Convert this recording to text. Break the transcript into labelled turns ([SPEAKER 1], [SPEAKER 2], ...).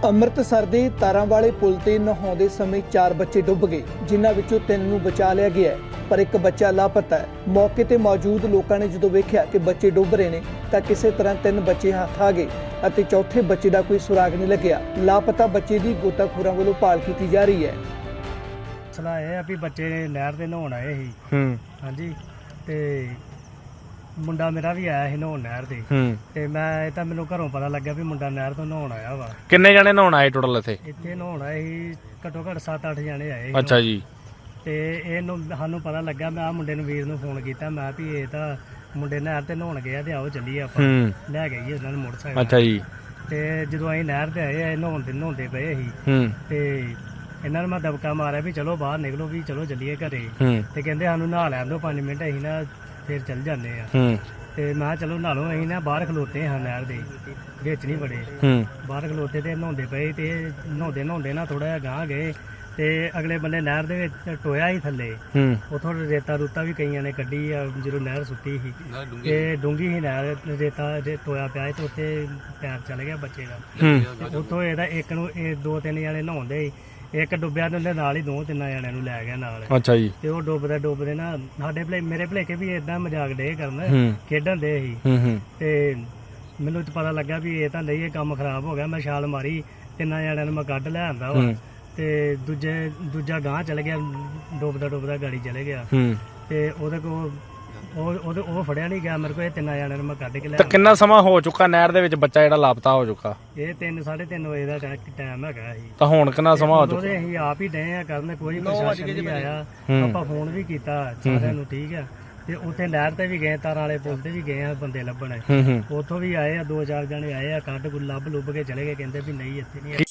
[SPEAKER 1] ਅੰਮ੍ਰਿਤਸਰ ਦੇ ਤਾਰਾਂ ਵਾਲੇ ਪੁਲ ਤੇ ਨਹਾਉਂਦੇ ਸਮੇਂ 4 ਬੱਚੇ ਡੁੱਬ ਗਏ, ਜਿਨ੍ਹਾਂ ਵਿੱਚੋਂ 3 ਨੂੰ ਬਚਾ ਲਿਆ ਗਿਆ ਹੈ, ਪਰ ਇੱਕ ਬੱਚਾ ਲਾਪਤਾ ਹੈ। ਮੌਕੇ ਤੇ ਮੌਜੂਦ ਲੋਕਾਂ ਨੇ ਜਦੋਂ ਵੇਖਿਆ ਕਿ ਬੱਚੇ ਡੁੱਬ ਰਹੇ ਨੇ ਤਾਂ ਕਿਸੇ ਤਰ੍ਹਾਂ 3 ਬੱਚੇ ਹੱਥ ਆ ਗਏ ਅਤੇ ਚੌਥੇ ਬੱਚੇ ਦਾ ਕੋਈ ਸੁਰਾਗ ਨਹੀਂ ਲੱਗਿਆ। ਲਾਪਤਾ ਬੱਚੇ ਦੀ ਗੋਤਾਖੋਰਾਂ ਵੱਲੋਂ ਭਾਲ ਕੀਤੀ ਜਾ ਰਹੀ ਹੈ।
[SPEAKER 2] ਮਸਲਾ ਇਹ ਆ ਵੀ ਬੱਚੇ ਨਹਿਰ ਤੇ ਨਹਾਉਣ ਆਏ ਸੀ। ਹਾਂਜੀ, ਤੇ ਮੁੰਡਾ ਮੇਰਾ ਵੀ ਆਇਆ ਸੀ ਨਹਾਉਣ ਨਹਿਰ ਤੇ ਮੈਂ ਤਾਂ ਮੈਨੂੰ ਘਰੋਂ ਪਤਾ ਲੱਗਿਆ ਵੀ ਮੁੰਡਾ ਨਹਿਰ ਤੋਂ ਨਹਾਉਣ ਆਇਆ ਵਾ।
[SPEAKER 3] ਕਿੰਨੇ ਜਣੇ ਨਹਾਉਣ ਆਏ ਟੋਟਲ
[SPEAKER 2] ਇੱਥੇ ਨਹਾਉਣ ਆਏ ਸੀ ਘੱਟੋ ਘੱਟ 7-8 ਜਣੇ ਆਏ ਸੀ।
[SPEAKER 3] ਅੱਛਾ ਜੀ।
[SPEAKER 2] ਤੇ ਇਹਨੂੰ ਸਾਨੂੰ ਪਤਾ ਲੱਗਾ, ਮੈਂ ਆ ਮੁੰਡੇ ਨੂੰ ਵੀਰ ਨੂੰ ਫੋਨ ਕੀਤਾ, ਮੈਂ ਵੀ ਇਹ ਤਾਂ ਮੁੰਡੇ ਨਹਿਰ ਤੇ ਨਹਾਉਣ ਗਏ ਆ ਤੇ ਆਓ ਚੱਲੀਏ ਆਪਾਂ ਲੈ ਗਏ ਉਹਨਾਂ ਨੂੰ ਮੋਟਰਸਾਈਕਲ।
[SPEAKER 3] ਅੱਛਾ ਜੀ।
[SPEAKER 2] ਤੇ ਜਦੋਂ ਅਸੀਂ ਨਹਿਰ ਤੇ ਆਏ ਆ ਨਹਾਉਂਦੇ ਪਏ ਸੀ ਤੇ ਇਹਨਾਂ ਨੂੰ ਮੈਂ ਦਬਕਾ ਮਾਰਿਆ ਵੀ ਚਲੋ ਬਾਹਰ ਨਿਕਲੋ, ਵੀ ਚਲੋ ਚੱਲੀਏ ਘਰੇ। ਤੇ ਕਹਿੰਦੇ ਸਾਨੂੰ ਨਹਾ ਲੈਣ ਦਿਓ 5 ਮਿੰਟ, ਅਸੀਂ ਨਾ ਫਿਰ ਚੱਲ ਜਾਂਦੇ ਆ। ਤੇ ਮੈਂ ਕਿਹਾ ਚਲੋ ਨਹਾ ਲਓ। ਅਸੀਂ ਨਾ ਬਾਹਰ ਖਲੋਤੇ ਹਾਂ ਨਹਿਰ ਦੇ ਵਿੱਚ, ਨਹੀਂ ਬੜੇ ਬਾਹਰ ਖਲੋਤੇ ਤੇ ਨਹਾਉਂਦੇ ਪਏ। ਤੇ ਨਹਾਉਂਦੇ ਨਾ ਥੋੜਾ ਜਿਹਾ ਗਾਂਹ ਗਏ ਤੇ ਅਗਲੇ ਬੰਨੇ ਨਹਿਰ ਦੇ ਵਿੱਚ ਟੋਇਆ ਹੀ ਥੱਲੇ। ਉਥੋਂ ਰੇਤਾ ਰੂਤਾ ਵੀ ਕਈਆਂ ਨੇ ਕੱਢੀ ਆ ਜਦੋਂ ਨਹਿਰ ਸੁੱਟੀ ਸੀ। ਤੇ ਡੂੰਗੀ ਸੀ ਨਹਿਰ, ਰੇਤਾ ਟੋਇਆ ਪਿਆ ਤੇ ਉੱਥੇ ਪੈਰ ਚਲ ਗਿਆ ਬੱਚੇ ਦਾ। ਉੱਥੋਂ ਇਹਦਾ ਇੱਕ ਨੂੰ 2-3 ਜਣੇ ਨਹਾਉਂਦੇ, ਇੱਕ ਡੁੱਬਿਆ ਤੇ ਉਹਦੇ ਨਾਲ ਹੀ 2-3 ਜਣਿਆਂ ਨੂੰ ਲੈ ਗਿਆ ਨਾਲ।
[SPEAKER 3] ਅੱਛਾ ਜੀ।
[SPEAKER 2] ਤੇ ਉਹ ਡੁੱਬਦੇ ਨਾ ਮੇਰੇ ਭਲੇਖੇ ਵੀ ਏਦਾਂ ਮਜ਼ਾਕ ਡੇ ਕਰਨ, ਖੇਡਣ ਦੇ ਸੀ। ਤੇ ਮੈਨੂੰ ਪਤਾ ਲੱਗਾ ਵੀ ਇਹ ਤਾਂ ਨਹੀਂ, ਇਹ ਕੰਮ ਖਰਾਬ ਹੋ ਗਿਆ। ਮੈਂ ਛਾਲ ਮਾਰੀ, 3 ਜਣਿਆਂ ਨੂੰ ਮੈਂ ਕੱਢ ਲੈ ਆਂਦਾ ਵਾ। ਤੇ ਦੂਜਾ ਗਾਂਹ ਚਲ ਗਿਆ, ਡੁੱਬਦਾ ਗਾੜੀ ਚਲੇ ਗਿਆ। ਤੇ ਉਹਦੇ ਕੋਲ ਉਹ ਫੜਿਆ ਨਹੀਂ ਗਿਆ ਮੇਰੇ ਕੋਲ। ਇਹ 3 ਜਣਿਆਂ ਨੂੰ ਮੈਂ ਕੱਢ ਕੇ ਲੈ।
[SPEAKER 3] ਤਾਂ ਕਿੰਨਾ ਸਮਾਂ ਹੋ ਚੁੱਕਾ ਨਹਿਰ ਦੇ ਵਿੱਚ ਬੱਚਾ ਜਿਹੜਾ ਲਾਪਤਾ ਹੋ ਚੁੱਕਾ?
[SPEAKER 2] ਇਹ 3-3:30 ਵਜੇ ਦਾ ਟਾਈਮ ਹੈਗਾ ਸੀ।
[SPEAKER 3] ਤਾਂ ਹੁਣ ਕਿੰਨਾ ਸਮਾਂ ਹੋ ਚੁੱਕਾ?
[SPEAKER 2] ਅਸੀਂ ਆਪ ਹੀ ਡਏ ਆ ਕਰਨ, ਕੋਈ ਪ੍ਰਸ਼ਾਸਨ ਨਹੀਂ ਆਇਆ। ਆਪਾਂ ਫੋਨ ਵੀ ਕੀਤਾ ਸਾਰਿਆਂ ਨੂੰ, ਠੀਕ ਆ। ਤੇ ਉੱਥੇ ਨਹਿਰ ਤੇ ਵੀ ਗਏ, ਤਾਰਾਂ ਵਾਲੇ ਪੁਲ ਤੇ ਵੀ ਗਏ ਆ ਬੰਦੇ ਲੱਭਣ। ਉੱਥੋਂ ਵੀ ਆਏ ਆ 2-4 ਜਣੇ ਆਏ ਆ, ਕੱਢ ਲੱਭ ਲੁੱਭ ਕੇ ਚਲੇ ਗਏ। ਕਹਿੰਦੇ ਵੀ ਨਹੀਂ ਇੱਥੇ ਨਹੀਂ।